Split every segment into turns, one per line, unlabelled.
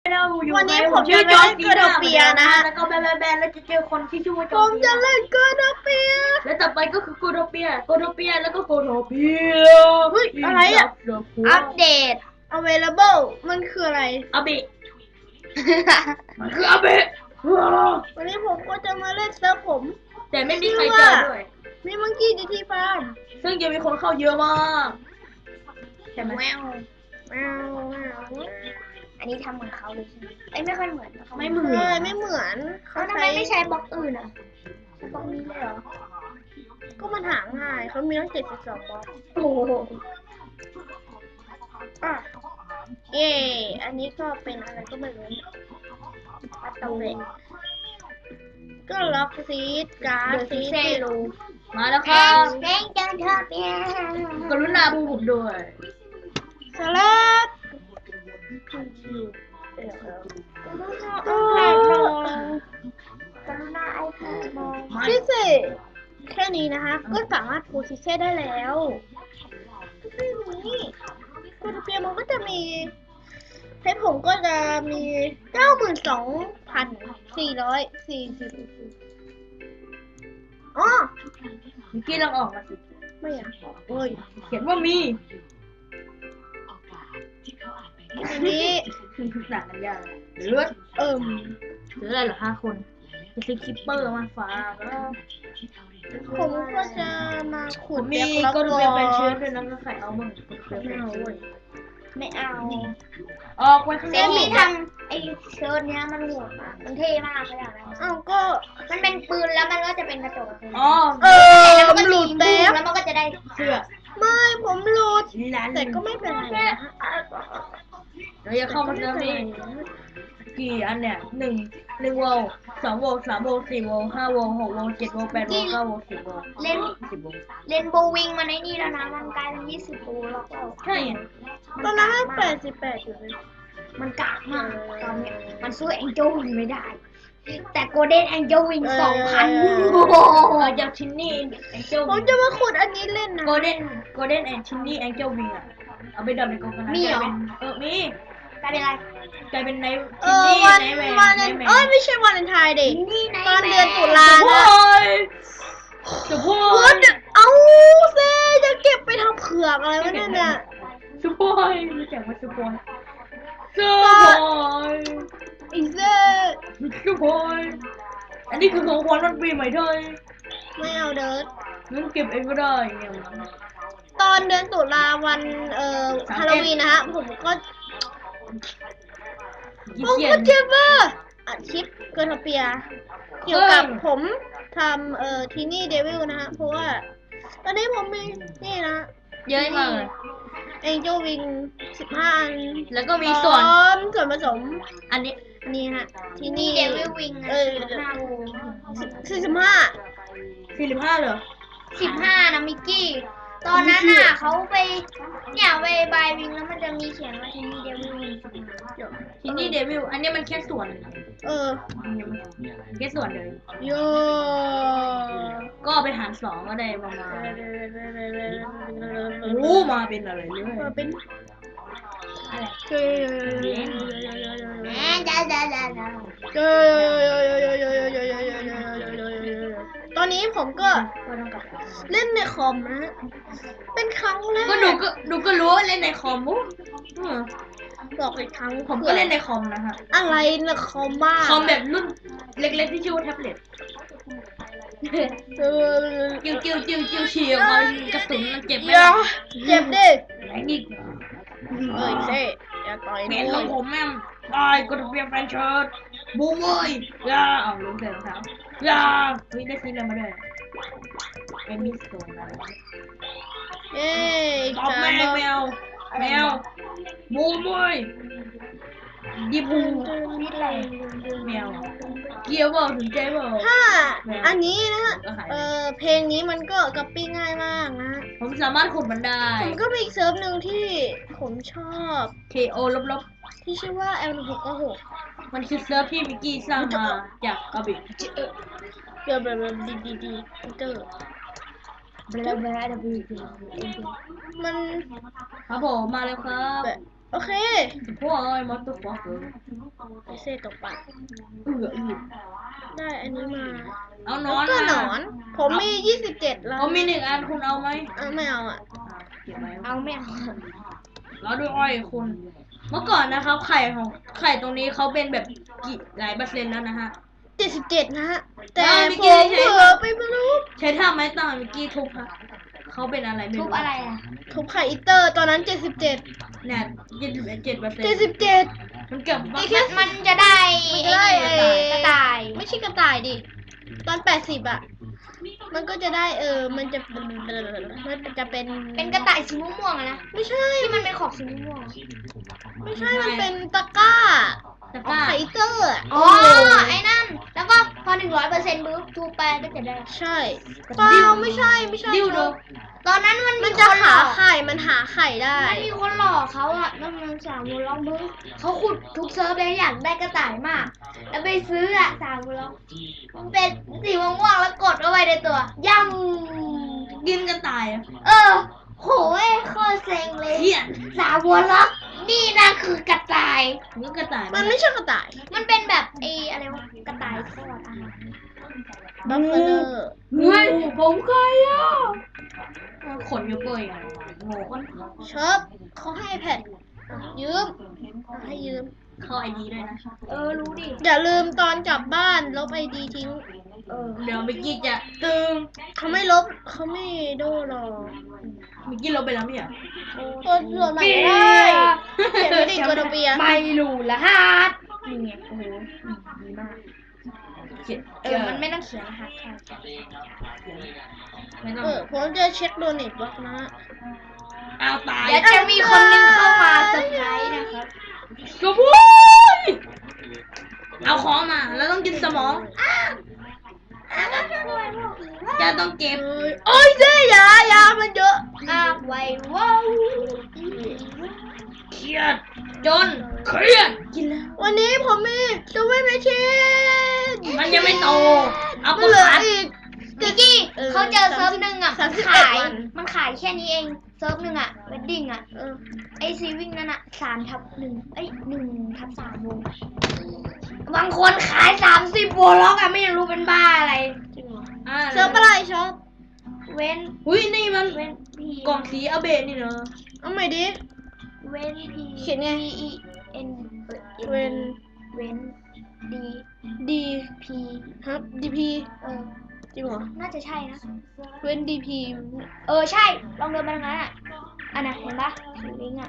เราอยู่
วันนี้
ใน
ผมจะ
จอร์
เล่น
จี
เกอร์โด
น่า
เปียนะฮะ
แล้วก็แบนแล้วจะเจอคนที่ชื่อว่าจ
ผ
อร์
ม
จี
จะ
น่า
เล่นเกอร์โดเปีย
และต่อไปก็คือโกโดเปียแล้วก็โกโดเปีย
เฮ้ยอะไรอ่ะ อัปเดต available มันคืออะไร
อาเบะมันคืออาเบะ
วันนี้ผมก็จะมาเล่นเซิร์ฟผม
แต่ไม่มีใครเจอด้วย
มีมังกี้ดีทีฟาร์ม
ซึ่งจะมีคนเข้าเยอะมากใช่ไหม
แมวแมวแมว
อันนี้ทำเหมือนเขาเลยใช่ไหมเอ้ยไม่ค่อยเหมือนนะคะ
ไม่เหมือ
ใช่
น
ไม่เหมือน
เขาทำไมไม่ใช้บล็อกอื่นอ่ะใช้บล็อกนี้เลยเหรอ
ก็มันหาง่ายเขามีตั้ง72บล็อก
โอ้โห
อ่ะเย่อันนี้ก็เป็นอะไรก็ไม่รู้ปัตเตอร์เวทก็ล็อกซีดการ์ด
เดอะ
ซี
ซิ
ด
เซรู
มาแล้วค
แป้
รั
ง
บ
แป้งจังเธอเปีย
กรุณาดูผมด้วย
สลัด
กรุณาไอแพดมอง
พิเศษแค่นี้นะคะ ก็สามารถพูดซิเช่ได้แล้วไม่มีคูทเปียมันก็จะมีเพชรผมก็จะมี 92,440 อ๋อ
มิกกี้ลองออกมาสิ
ไม่อยากบอกเว้ย
เขียนว่ามี
อันนี้
หนังกันยากเลือด หรืออะไรเหรอ5 คนจะซื้อคิปเปอร์มาฝากแล้ว
ผมก็จะมาขุ
ผ
ด
มมี
แบ็ค
ก็
ล็อก
เป็นแฟนเชื้อด้วยนะก็ใครเอาบ้างเคย
ไม่
เป็น
เอา
เชื้อ
เว้ย
ไม่เอา
ออกไปข้าง
เซ
นอก
มี่ทำไอเชิ้ตเนี้ยมันโหดมากมันเท่มากขนาดนั้น
อ้าวก็
มันเป็นปืนแล้วมันก็จะเป็นกระจกอะคือ
อ๋อ
แล้วมันก็
หลุด
ยิง
แป๊บ
แล้วมันก็จะได้
เสื้อ
ไม่ผมหลุด
ร้าน
แต่ก็ไม่เป็นไรนะฮะ
เดี๋ยวจะเข้ามาเจอนี่กี่อันเนี่ย1 โวลต์2 โวลต์3 โวลต์4 โวลต์5 โวลต์6 โวลต์7 โวลต์8 โวลต์9 โวลต์10 โวลต์
เล่น
10 โวลต์
เรนโบว์วิงมันไอ้นี่แล้วนะมันกลายเป็น20ตัวแล้วก็
ใช่ไง
ตอนนั้นให้88อยู่เลย
มันกากมากตอนเนี้ยมันสู้แองเจิลวิงไม่ได้ แต่โกลเด้นแองเจิลวิง2,000 โอ้โห
จากชินนี่แองเจิล
ผมจะมาขุดอันนี้เล่นนะ
โกลเด้นแอนชินนี่แองเจิลวิงอะเอาไปดับในกองกันนะ
มีเหรอ
มี
กลายเป็นอะไร
กลายเป็นใน
เอ
ชิน
อ
นี่
วัน
ในแมน
วัน
ในแมน
เอ้ยไม่ใช่วันเลนไทน์เด็ก
นี่ไง
ตอนเดือนตุลา
โอ้
นะ
ยสุโพ
วั
ย
นเอ้าเซ่จะเก็บไปทำเผือกอะไรวะเนี่ยเนี่ย
สุโพยรู้จักว่าสุโพยสุโพย
อีเซ่
สุโพยอันนี้คือของขวัญวันปีใหม่เธอ
ไม่เอาเดิร์ด
งั้นเก็บเองก็ได้เนี่ย
ตอนเดือนตุลาวันฮาโลวีนนะฮะผมก็
ยี่
ผม
เกีย
ก็
น
จะว่าอัดคลิปเกิร์ลเปีย เกี่ยวกับผมทำทีนี่เดวิลนะฮะเพราะว่าตอนนี้ผมมีนี่นะ
เยอะมากเลย
เอ็นเจลวิง15 อัน
แล้วก็มีส่วน
พร้อมส่วนผสม
อันนี้
อันนี้ฮะที่
นี่
นี่
เดวิลวิงนะ
เออ
15 โว
45
45เหรอ
15นะมิกกี้ ตอนนั้นน่ะเขาไปเนี่ยไปบายวิงแล้วมันจะมีเขียนว่าที่นี่เดวิลวิง
ชินนี่เดวิลอันนี้มันแค่ส่วน
เออ
แค่ส่วนเลย
โย
ก็เอาไปหาร2ก็ได้ประมาณโอ้มาเป็นอะไรเลย
เป็น
อะไร
เกย์
จ้า
ตอนนี้ผมก็
ก็ต้องกลับ
เล่นในคอมนะฮะเป็นครั้งแรก
ก็ดูก็รู้ว่าเล่นในคอมมุอืม
บอกอีกครั้ง
ผมก็เล่นในคอมนะฮะ
อะไรนะคอมบ้า
คอมแบบรุ่นเล็กๆที่ชื่อว่าแท็บเล็ต จิ้วเฉียวมันกระสุนมันเจ็บไหม
อย่าเจ็บดิ
ไหนอีก
เอ้ยเซ่อย่าต่อย
แม
ด้
นข
ว
อง
ย
ผมแม่งได้ก็ต้องเปลี่ยนแฟนเชิร์ตบูมเว้ยย่าเอาลงใส่รองเท้าย่าเฮ้ยได้ซื้ออะไรมาด้วยเอมิสโตนอะไร
เย้
ตอบแมวแมวบูมเว้ยดีบูแมวเกียวเปล่าถึงใจเปล่า
ถ้าอันนี้นะ
ก็หาย
เพลงนี้มันก็ก๊อปปี้ง่ายมากนะ
ผมสามารถขุดมันได้
ผมก็มีอีกเซิร์ฟหนึ่งที่ผมชอบ
KO ลบ
ที่ชื่อว่า L1696
ๆมันคือเซิร์ฟที่มิกกี้สร้างมาจากกระบี่
เดี๋ยวแบบดีเตอร์มัน
ครับผมมาแล้วครับ
แบบโอเค
พวกไอ้มอสตัวฟอกเลย
ไอเซตกปลา
อือ
ได้อันนี้มา
เอาน
แล้ว
อน
ก็หน
มา
อน ผมมี27แล้ว
เขามี1 อันคุณเอาไหม
ไม่เอาอ่ะ
เก็บไว้
เอาไม่เอา
แล้วดูอ้อยคุณ เมื่อก่อนนะครับ ไข่ตรงนี้เขาเป็นแบบกี่หลายเปอร์เซ็นต์แล้วนะฮะ
77นะฮะ แต่
แล้ว
ผ
มิกกี้
ม
ใช้
เผลอไปไม่รู้
ใช้ท่าไม้ต่างมิกกี้ทุบฮะเขาเป็นอะไรไม่
ทุ
รู้
บอะไรอ่ะ
ทุบไข่อิเตอร์ตอนนั้น77
เนี่ย27%
77
มันเกือบ
มันจะได้
มันจะได้
กระต่าย
ไม่ใช่กระต่ายดิ ตอน80อ่ะ มันก็จะได้มันจะเป็น
เป็นกระต่ายสีม่วงๆอะนะ
ไม่ใช่
ที่มันเป็นขอบสีม่วง
ไม่ใช่ มันเป็นตะกร้า
ตะ
ข
ก
อง
ร้า
ไข่อิเตอร์อะ
อ๋อไอ้นั่น แล้วก็พอ100%ปุ๊บทูบไปก็จะได้
ใช่เปล่าไม่ใช่
ดิวโด
ตอนนั้นมัน
มั
มี
น
ค
จะ
นหล
หา
อก
ไข่ มันหาไข่ได้
มันมีคนหลอกเขาอ่ะน้องๆ3 วงล็อกมึงเขาขุดทุกเซิร์ฟเลยอยากได้กระต่ายมาก แล้วไปซื้ออ่ะ3 วงล็อกมันเป็นสีม่วงๆแล้วกดเข้าไปในตัวย่ำ
กินกันตายอะ
โหยโคตรเซ็งเลย
เหี้ย
3 วงล็อกนี่นะคือกระต่าย
มันกระต่าย
มันไม่ใช่กระต่าย
มันเป็นแบบอะไรวะกระต่ายทอดอาหาร
บัฟเฟอร์
เฮ้ยผมใครอ่ะขนอยู่เปื่อยอะโง่
ชอบเขาให้แพดยืมให้ยืม
เข้าไอดีด้วยนะ
รู้ดิ
อย่าลืมตอนกลับบ้านลบไอดีทิ้ง
เดี๋ยวมิกกี้จะตึง
เขาไม่ลบเขาไม่โดนหรอก
มิกกี้ลบไปแล้วไม่เหรอ
ตัวโหลดใหม่ได้เขียนไม่ได้ตัวโดเปีย
ไม่รู้ละฮะนี่ไงโอ้โหดีมาก
เขียน
มันไม่ต้องเขียนรหัสค่ะ
ไม่ต้อง
ผมจะเช็คโดเนทบล็อกนะ
เอาตาย
เดี๋ยวจะมีคนหนึงเข้ามาเซอร์ไพรส์นะครับ
กระพุ้ยเอาของมาแล้วต้องกินสมองจะต้องเก็บ
โอ้ยเจ๊ยามันเยอะ
ไว้ว้าว
เครียดจนเครียด
กินแล้ว
วันนี้ผมมีซูเปอร์แมชชีน
มันยังไม่โตเอา
มั
ป
นเหลือ
ขาด
อีก
มิกกี้เขาเจอเซิร์ฟหนึ่งอ่ะ
31
ขาย
วัน
มันขายแค่นี้เองเซิร์ฟหนึ่งอ่ะเวดดิ้งอ่ะ
เออ
ไอซีวิ่งนั่นอ่ะ3/11/3 วงบางคนขาย30 วงล็อกอ่ะไม่รู้เป็นบ้าอะไร
เซิร์ฟอะไรชอบ
เว้น
อุ้ยนี่มัน
เว้นพี
กล่องสีอาเบะนี่เนอะ
เอาใหม่ดิ
เว้นพี
เขียนไง
E N
เว้น
เว้น D
ดี
P
ครับดีพี จริงเหรอ
น่าจะใช่นะ
เว้นดีพี
ใช่ลองเดินไปทางนั้นอ่ะอันน่ะเห็นปะสีวิ่งอ่ะ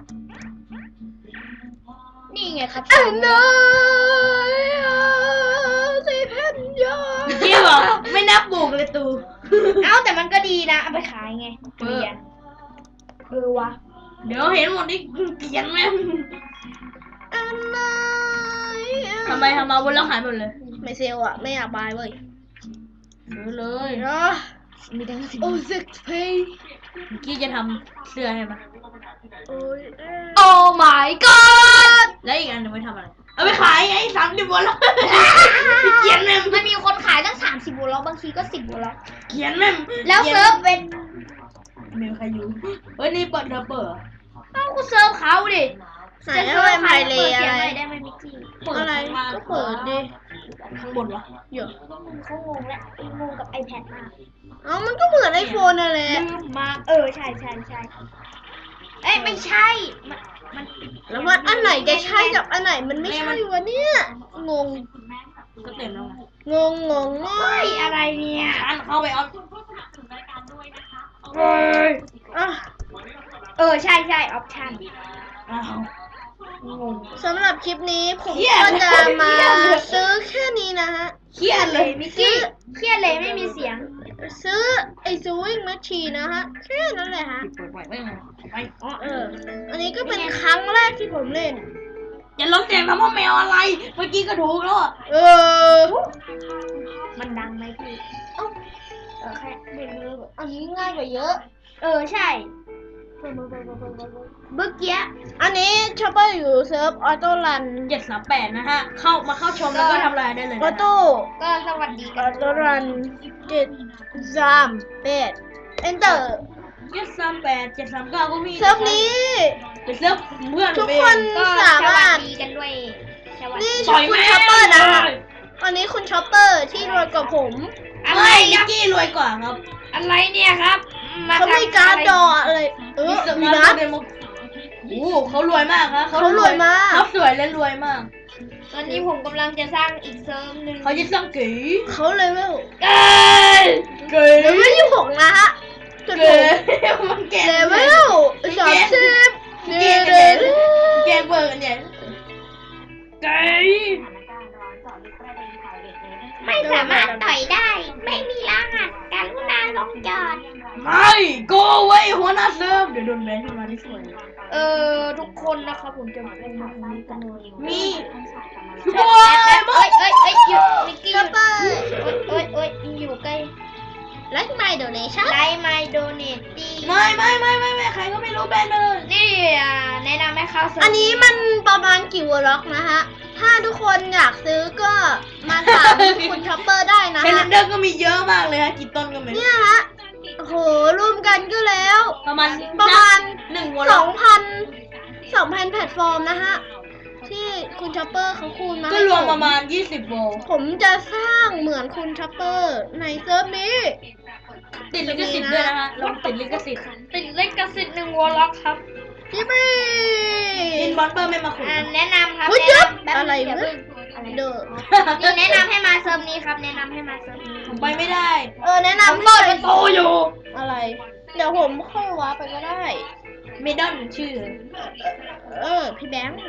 นี่ไงครับ
อันน้อยสิเพนยา
มิกกี้บอกไม่นับบุกเลยตู
เอ้าแต่มันก็ดีนะเอาไปขายไงเหรียญวะ
เดี๋ยวเห็นหมดนี่เขียนแม่ง
อันน้อย
ทำมาบนแล้วหายหมดเลย
ไม่เซลอะไม่อยากบายเว้ย
ซื้อเลย
เนาะ
มีทั้งสิบ
โอ้ซิกเพย์
มิกกี้จะทำเสื้อให้มัน
โอ้ย
โอ้ my god
แล้วอีกอันหนึงไว้ทำอะไร เอาไปขายไง30 วันแล้วเขียนแม่ง
มันมีคนขายตั้ง30 วงล็อกบางทีก็10 วงล็อก
เขียนแม่ง
แล้วเซิร์ฟเป็น
ไม่มีใครอยู่เฮ้ยนี่เปิดเปิด
เอ้าก็เซิร์ฟเขาดิ
ไหนอะไรไมเล
เปิดเสี
อะ
ยง
ไร
หน่อยได้ไหมมิกกี้
อะไรก็เปิดดิ
ข้างบนวะ
เดี๋ยว
เขางงและงงกับ iPad มาก
เอ้ามันก็เหมือนไอโฟนนั่นแหละ
ลืมมาใช่เอ้ยไม่ใช่มัน
แล้วว่าอันไหนจะใช่กับอันไหนมันไม่ใช่วะเนี่ยงง
ก็เต็มแล้วไง
งงมา
เฮ้
ก
ยอะไรเนี่ย
อันเข้าไปเอา
อ่ะ
ใช่ออปชั่น
อ้าว
งง
สำหรับคลิปนี้ผม
เครียด
ก็จะมา
เครียดเลย
ซื้อแค่นี้นะฮะ
เครียดเลย
มิกกี้เครียดเลยไม่มีเสียง
ซื้อไอซูวิ่งแมชชีนนะฮะแค่นั้นแหละฮะ
เปิดไว้ไม่ไงไป
อันนี้ก็เป็นครั้งแรกที่ผมเล่น
อย่าลดเสียงทำพ่อแมวอะไร เมื่อกี้ก็ถูกแล้วอะ
มันดังไหมพี่แค่เด็กเลย
อันนี้ง่ายกว่าเยอะ
ใช่เมื่อกี้
อันนี้ชอปเปอร์อยู่เซิร์ฟออโต้รัน
738นะฮะ เข้าชมแล้วก็ทำลายได้เลย
ออ
นะ
โต้
ก็สวัสดี
อ
กั
อน โต้รัน738 enter
738 739ก็มี
เซิร์ฟนี้
เป็นเซิร์ฟเพื่อน
ทุก
ผม
คน
เอง
ก็
สามารถ
สวัสดีกันด้วยสวัสดี
นี่
ปล่อย
คุณ
แม่
ช็อปเปอร์นะคะ
เลย
วันนี้คุณช็อปเปอร์ที่รวยกว่าผม
อะไร
ไม่
ค
นิ
รั
ก
บ
กี้รวยกว่าครับ
อะไรเนี่ยครับ
เขามีการ์ดดออะไรมี
มี
นะ
เดโมโอ้เขารวยมากครับ
เขารวยมาก
เขาสวยและรวยมาก
ตอนนี้ผมกำลังจะสร้างอีกเซิร์ฟหนึ่ง
เขาจะสร้างกี
เขาเลเวล
เอ้ย
กี
เลเวล26นะฮะจน
เก
ผม
มันเก่ง
เลเวล30
เก่งกันเนี่ยเก่งเบอร์กันเนี่ยกี
ไม่สามารถต่อยได้ ไม่มีรหัสการุณาลงจอด
ไม่โกไว้หัวหน้าเซิร์ฟเดี๋ยวโดนแบนขึ้นมาที่สวย
ทุกคนนะครับผมจะเป็นมาตรงนี้กันเลย
มีโอ้
โอ้
ย
ย
บอ
เอ้
ส
ยเอ้ยเอ้ยหยุดมิกกี้ห
ช็อ
ยุ
ป
ด
เปอร์
เอ้ยอยู่ใกล้
ไลค์ไม่โดเนชั่น
ได้ไมโดเนตตี
ไม่ใครก็ไม่รู้แบนไปเลย
นี่แนะนำให้เข้าเซิร์ฟ
อันนี้มันประมาณกี่วอลล็อกนะฮะ ถ้าทุกคนอยากซื้อก็มาถามคุณช็อปเปอร์ได้นะ
เทเล
ฮะ
นเดอร์ก็มีเยอะมากเลยฮะกี่ต้นก็ไม่รู้
เนี่ยฮะโหรวมกันก็แล้ว
ประมาณ
1,000
1 วอลล็อก
2,000 แพลตฟอร์มนะฮะ ที่คุณช็อปเปอร์เขาคูณมา
ก็
ให้
รวม
ผ
ประมาณ20 โวลต์
ผมจะสร้างเหมือนคุณช็อปเปอร์ในเซิร์ฟนี้
ติดลิขสิทธิ์ด้วยนะฮะเราติดลิขสิทธิ์
ติดเลขกระสิทธิ์1 วอลล็อกครับ
ยิปปี้
จินบอลเปอร์ไม่มาขุด
แนะนำครับ
อุ๊ย
แนะนำ
เจ็บอะไร
อย่า
เว้
เพิ่
ย
งอะไร
เด้อ
นี่แนะนำให้มาเซิร์ฟนี้ครับแนะนำให้มาเซิร์ฟนี้
ผมไปไม่ได้
แนะ
ผม
นำ
เปิดประตูอยู่
อะไร เดี๋ยวผมค่อยว้าร์ปไปก็ได้
เมดอนชื่อ
พี่แบงค์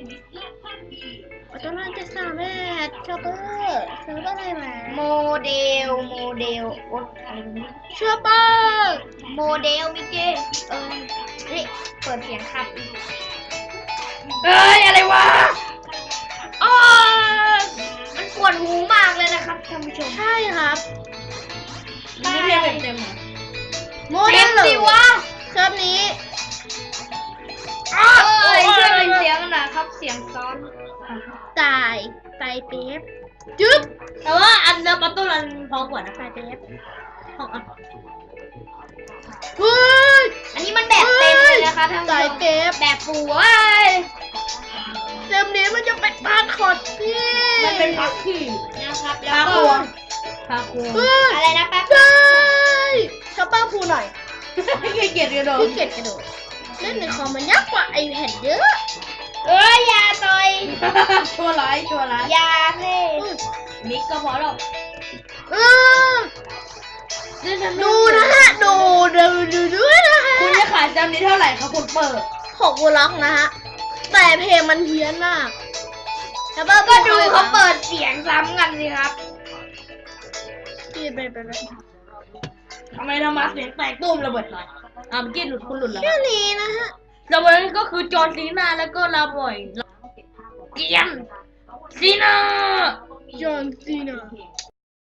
ตอนนั้นจะสามแม่ช็อปเปอร์เซิร์ฟอะไรมา
โมเดลโอ๊ยอะไรนี้
ช็อปเปอร์
โมเดลมิเกนี่เปิดเสียงขับอีกเอ้ยอะไรวะอ๋อมันปวดหูมากเลยนะครับท่านผู้ชม
ใช่ครับ
มีเพลงเต็มๆอ่ะ
โมเดล
สิวะ
เซิร์ฟนี้
เอ้ยช่วยเป็นเสียงหน่อยครับเสียงซ้อน
ตายเป๊บจึ๊บ
แต่ว่าอันเดอร์ปัตตุลันพอกว่านะ
ตายเป๊บ
ของอัน
เฮ้ย
อันนี้มันแบบเต็มเลยนะคะท่านผู้
ตาย
ชม
เป๊บ
แบบปูเว้ย
เซิร์ฟนี้มันจะเป็นพาร์ทคอร์ดพี่
มันเป็นพักที่
นะครับแล้ว
พา
ก็
ครัวพาครัว
เฮ้ย
อะไรนะแป๊บ
ใช่ช็อปเปอร์พูหน่อย
เกลียดกันโดน
พี่เกียจกระโดดเล่นในคอมมันยากกว่าไอแผ่นเยอะ
เอ้ยอย่าต่อย
ชั่วร้าย
อย่าเพ่
มิกก็พอแล้ว
เออดูนะฮะ ดูด้วยนะฮะ
คุณจะขายจำนี้เท่าไหร่ครับคุณเปิด
6 วอลล็อกนะฮะ แต่เพลงมันเพี้ยนมากช็อปเปอร์
ก็ดูเขาเปิดเสียงซ้ำกันสิครับ
ไป
ทำไมทำมาเสียงแตกตุ้มระเบิดหน่อยเมื่อกี้หลุดคุณหลุดแล้ว
แค่นี้นะฮะ
ระเบิดก็คือจอร์นซีนาแล้วก็ลาบ่อยเกียนซีนา
จอห์นซีนา